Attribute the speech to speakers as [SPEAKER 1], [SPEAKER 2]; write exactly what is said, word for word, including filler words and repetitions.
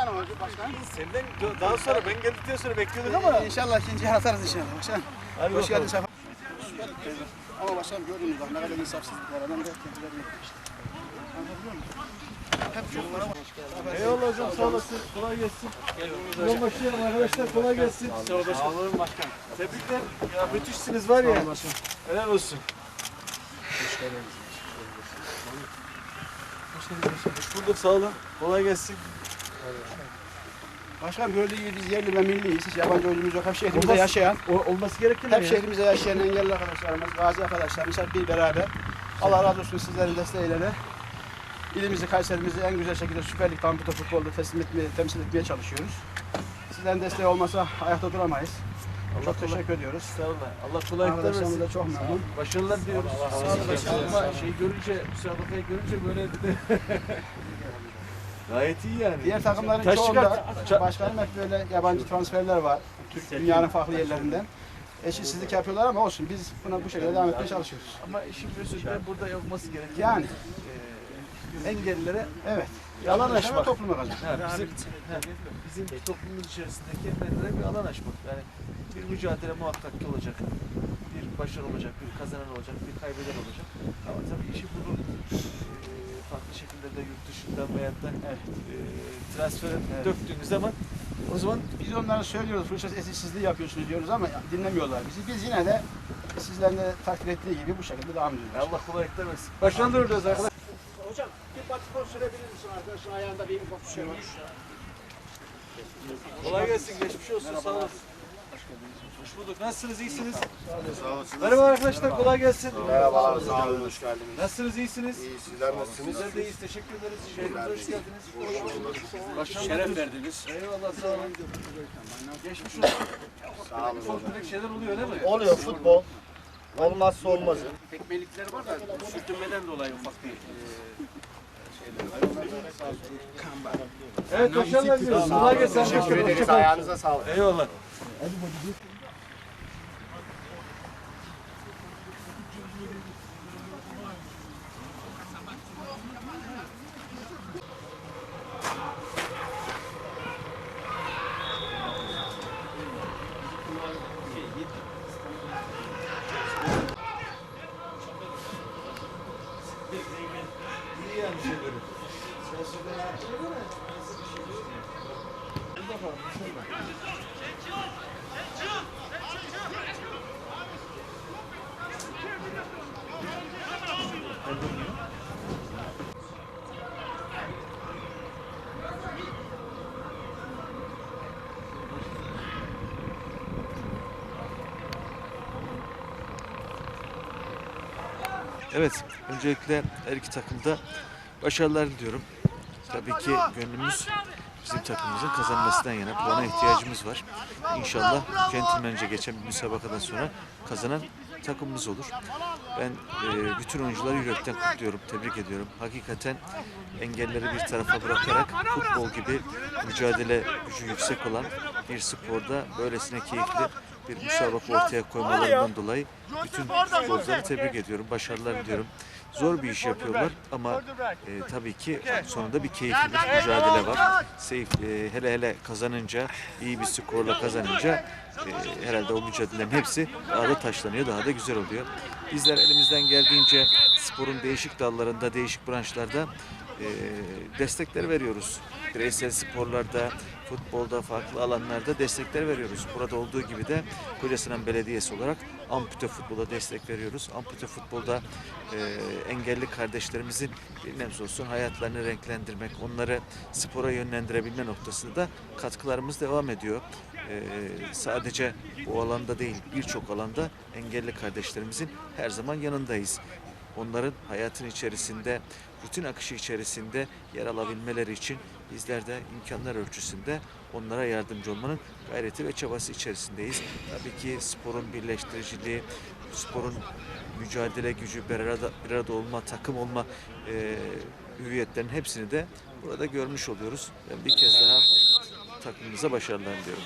[SPEAKER 1] tane oldu başkan.
[SPEAKER 2] Senden daha sonra ben geldikten sonra bekliyorduk ama.
[SPEAKER 1] İnşallah ikinci atarız inşallah başkan.
[SPEAKER 2] Hadi
[SPEAKER 1] Hoş geldin
[SPEAKER 2] bakalım.
[SPEAKER 1] Şafak. Ama başkanım gördünüz bak ne kadar insafsızlık var. Adam da kendilerini yapmış. Anlatabiliyor musun? Hep çocuklara bak.
[SPEAKER 2] Eyvallah hocam sağ olasın. Kolay gelsin. Yol başlayalım arkadaşlar, kolay gelsin. Sağ olun başkanım. Sağ olun başkanım. Tebrikler. Ya müthişsiniz var ya. Helal olsun. Hoş geldiniz. Hoş bulduk, sağ olun. Kolay gelsin.
[SPEAKER 1] Başkanım gördüğü gibi biz yerli ve milliyiz. Hiç yabancı oyuncumuz yok. Hep şehrimizde
[SPEAKER 2] Olmaz-
[SPEAKER 1] yaşayan,
[SPEAKER 2] O, olması gereken
[SPEAKER 1] hep
[SPEAKER 2] ya.
[SPEAKER 1] şehrimizde yaşayan engelli arkadaşlarımız, gazi arkadaşlarımız hep bir beraber. Allah razı olsun sizlerin desteğiyle de ilimizi, Kayserimizi en güzel şekilde Süper Lig Ampute futbolda teslim etmeye, temsil etmeye çalışıyoruz. Sizlerin desteği olmasa ayakta duramayız.
[SPEAKER 2] Allah
[SPEAKER 1] Çok
[SPEAKER 2] kolay-
[SPEAKER 1] teşekkür ediyoruz.
[SPEAKER 2] Sağ olun. Allah kolaylıklar
[SPEAKER 1] Arkadaşlarımız
[SPEAKER 2] versin.
[SPEAKER 1] da çok memnun.
[SPEAKER 2] Başarılar diliyoruz. Sağ olun başkanım. Ama şey görünce, müsabakayı görünce böyle bir de gayet iyi yani.
[SPEAKER 1] Diğer takımların
[SPEAKER 2] Taş
[SPEAKER 1] çoğunda
[SPEAKER 2] çıkart.
[SPEAKER 1] başkanım hep böyle yabancı transferler var. Türk dünyanın farklı yerlerinden. Eşitsizlik yapıyorlar ama olsun. Biz buna bu şekilde devam etmeye çalışıyoruz.
[SPEAKER 2] Ama işin özünde burada yapılması gereken
[SPEAKER 1] Yani
[SPEAKER 2] e, engellilere
[SPEAKER 1] evet.
[SPEAKER 2] alan
[SPEAKER 1] Yaşama
[SPEAKER 2] açmak.
[SPEAKER 1] topluma kazanıyor.
[SPEAKER 2] Ha, bizim, ha, bizim toplumumuz içerisindeki engellilere bir alan açmak. Yani bir mücadele muhakkak ki olacak. Bir başarı olacak, bir kazanan olacak, bir kaybeden olacak. Ama tabii işi bunu e, farklı şekillerde yurt dışından veyahut da e, transfere döktüğünüz zaman o zaman
[SPEAKER 1] Biz onlara söylüyoruz, fırsat eşitsizliği yapıyorsunuz diyoruz ama dinlemiyorlar bizi. Biz yine de sizlerin de takdir ettiği gibi bu şekilde devam ediyoruz.
[SPEAKER 2] Allah kolaylıklar versin. Başarılar diliyoruz arkadaşlar.
[SPEAKER 1] Hocam bir batikon sürebilir misin arkadaşın ayağında bir bakışıyor.
[SPEAKER 2] Kolay gelsin, geçmiş olsun, sağ olasın. Hoş bulduk, nasılsınız, iyisiniz?
[SPEAKER 3] Sağ olasın.
[SPEAKER 2] Merhaba arkadaşlar, kolay gelsin.
[SPEAKER 3] Merhabalar, sağ olun, hoş geldiniz.
[SPEAKER 2] Nasılsınız, iyisiniz?
[SPEAKER 3] İyi, sizler nasılsınız?
[SPEAKER 2] Bizler de iyiyiz, teşekkür ederiz. Şehrimize hoş geldiniz. Başkanım,
[SPEAKER 1] Şeref verdiniz.
[SPEAKER 2] eyvallah, sağ olun. Geçmiş olsun.
[SPEAKER 3] Sağ olun.
[SPEAKER 2] Ufak tefek şeyler oluyor değil mi?
[SPEAKER 3] Oluyor futbol. Olmazsa olmazı.
[SPEAKER 1] Tekmelikleri var da sürtünmeden dolayı ufak bir
[SPEAKER 2] Evet, başarılar diliyoruz. Kolay gelsin.
[SPEAKER 3] Teşekkür ederiz,
[SPEAKER 2] Hoşça kalın.
[SPEAKER 3] ayağınıza sağlık.
[SPEAKER 2] Eyvallah. İyi yani şeyleri. Sen söyle yaptın mı? Bir bakalım, inşallah. Evet, öncelikle her iki takımda başarılar diliyorum. Tabii ki gönlümüz bizim takımımızın kazanmasından yana. Puana ihtiyacımız var. İnşallah centilmence geçen bir müsabakadan sonra kazanan takımımız olur. Ben e, bütün oyuncuları yürekten kutluyorum, tebrik ediyorum. Hakikaten engelleri bir tarafa bırakarak futbol gibi mücadele gücü yüksek olan bir sporda böylesine keyifli bir müsabaka ortaya koymalarından dolayı bütün futbolcuları tebrik ediyorum, başarılar diliyorum. Zor bir iş yapıyorlar ama e, tabii ki sonunda bir keyifli bir mücadele var. Seyf, e, hele hele kazanınca, iyi bir skorla kazanınca e, herhalde o mücadelelerin hepsi daha da taşlanıyor, daha da güzel oluyor. Bizler elimizden geldiğince sporun değişik dallarında, değişik branşlarda e, destekler veriyoruz. Bireysel sporlarda, futbolda, farklı alanlarda destekler veriyoruz. Burada olduğu gibi de Kocasinan Belediyesi olarak ampute futbola destek veriyoruz. Ampute futbolda e, engelli kardeşlerimizin bir nebze olsun hayatlarını renklendirmek, onları spora yönlendirebilme noktasında da katkılarımız devam ediyor. E, sadece bu alanda değil, birçok alanda engelli kardeşlerimizin her zaman yanındayız. Onların hayatın içerisinde, rutin akışı içerisinde yer alabilmeleri için bizler de imkanlar ölçüsünde onlara yardımcı olmanın gayreti ve çabası içerisindeyiz. Tabii ki sporun birleştiriciliği, sporun mücadele gücü, bir arada, bir arada olma, takım olma e, hüviyetlerin hepsini de burada görmüş oluyoruz. Ben bir kez daha takımımıza başarılar diliyorum.